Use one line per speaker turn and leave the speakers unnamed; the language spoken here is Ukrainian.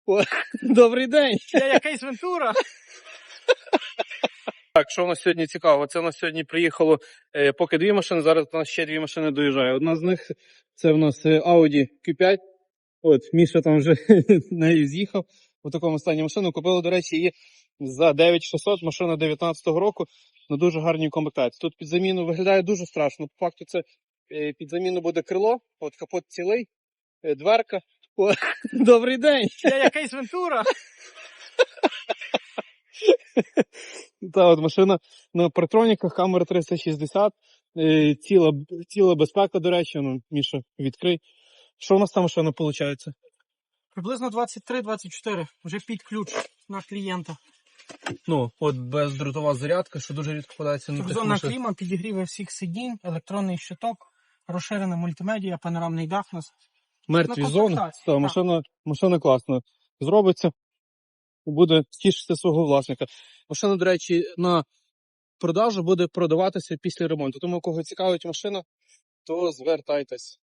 О, добрий день!
Я якийсь Вентура.
Так, що у нас сьогодні цікаво? Це у нас сьогодні приїхало поки дві машини, зараз у нас ще дві машини доїжджає. Одна з них, це у нас Audi Q5. От, Міша там вже нею з'їхав. У такому стані машину. Купили, до речі, її за 9600, машина 19-го року, на дуже гарній комплектації. Тут під заміну виглядає дуже страшно. По факту це під заміну буде крило, от капот цілий, дверка. О, добрий день!
Я якийсь Вентура.
Та от машина на партроніках, камера 360, ціла безпека, до речі, ну, Міша, відкрий. Що у нас там машина виходить?
Приблизно 23-24. Вже під ключ на клієнта.
Ну, от бездротова зарядка, що дуже рідко подається на тих
Трьохзонна
машинах.
кліма, підігріви всіх сидінь, електронний щиток, розширена мультимедіа, панорамний дах у нас.
Мертві
на
зони.
комплектації,
Та, машина класна. Зробиться, буде тішитися свого власника. Машина, до речі, на продажу буде продаватися після ремонту. Тому, кого цікавить машина, то звертайтесь.